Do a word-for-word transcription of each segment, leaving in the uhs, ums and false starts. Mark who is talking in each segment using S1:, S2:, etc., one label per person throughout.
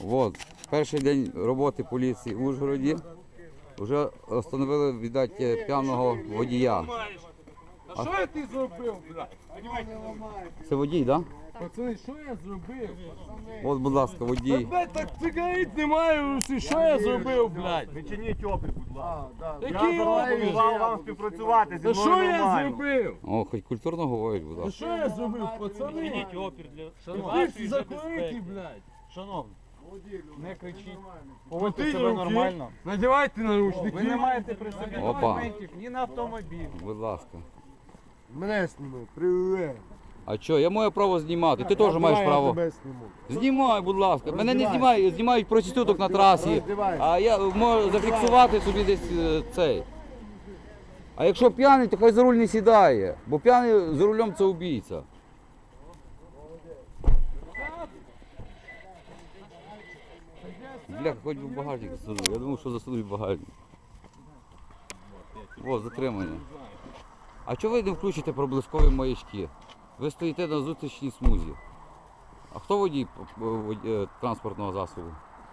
S1: От, перший день роботи поліції в Ужгороді. Вже встановили, видать, п'яного водія.
S2: А що ти зробив, блядь?
S1: Це водій, так?
S2: Пацани, що я зробив?
S1: Да? От, будь ласка, водій.
S2: Блядь, так цигарит немає в руці, що я зробив, блядь?
S3: Відчиніть опір, будь ласка.
S2: Який
S3: Я
S2: опір?
S3: запропонував вам співпрацювати зі
S2: Та
S3: мною
S2: що я
S3: нормально.
S2: зробив?
S1: О, хоч культурно говорить, будь
S2: Та
S1: ласка.
S2: що я зробив, пацани?
S4: Відчиніть опір для
S2: Шановні,
S4: вашої же
S2: закурити,
S4: безпеки.
S2: блядь.
S4: Шановні, не кричіть.
S2: Поводьте
S4: Поводьте себе нормально.
S2: Надівайте наручники.
S4: Ви не маєте при собі
S1: Опа.
S4: документів ні на автомобіль.
S1: Будь ласка.
S5: Мене сніми, привет.
S1: А що, я маю право знімати, ти теж маєш
S5: Я
S1: право.
S5: тебе зніму.
S1: Знімай, будь ласка. Мене не
S5: Роздівайся.
S1: знімають, знімають проституток на трасі.
S5: Роздівайся.
S1: А я можу зафіксувати собі десь е, цей. А якщо п'яний, то хай за руль не сідає, бо п'яний за рулем це убійця. Бля, хоч би в багажник засунув. Я думав, що засунуть в багажник. О, затримання. А чого ви не включите проблискові маячки? Ви стоїте на зустрічній смузі. А хто водій п- вод- е, транспортного засобу?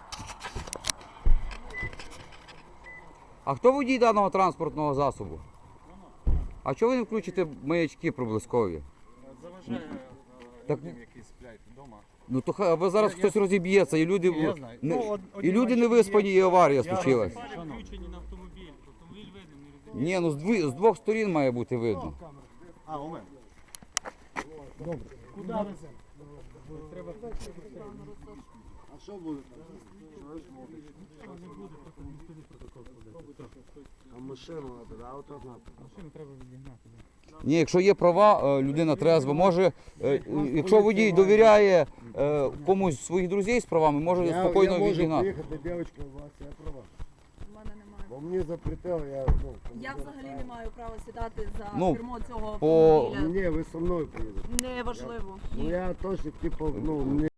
S1: А хто водій даного транспортного засобу? А чого ви не включите маячки проблискові?
S4: Заважає
S1: Так,
S4: людям, які сплять вдома.
S1: ну то хай, або зараз хтось розіб'ється, і люди,
S4: Я знаю.
S1: не,
S4: Ну, од-
S1: і
S4: одні
S1: люди не
S4: маячки
S1: виспані, і аварія случилась.
S4: Фари включені на автомобіль. Автомобіль видно, не розумієте.
S1: Ні, ну з, дві, з двох сторін має бути видно.
S3: А, у мене.
S5: А що буде? А машину треба, а авто треба.
S1: Ні, якщо є права, е, людина трезва, може, е, якщо водій довіряє е, комусь з своїх друзів з правами, може
S5: Я,
S1: спокійно
S5: я можу
S1: відігнати.
S5: приїхати, дівчинка, у вас є права.
S6: У мене немає.
S5: Бо мені запретили, я, ну...
S6: Я взагалі не маю права сідати за
S1: Ну,
S6: кермо цього
S1: по-
S6: автомобіля.
S5: Ні, ви зі мною поїдете.
S6: Неважливо.
S5: Ну я теж, типу, ну, мені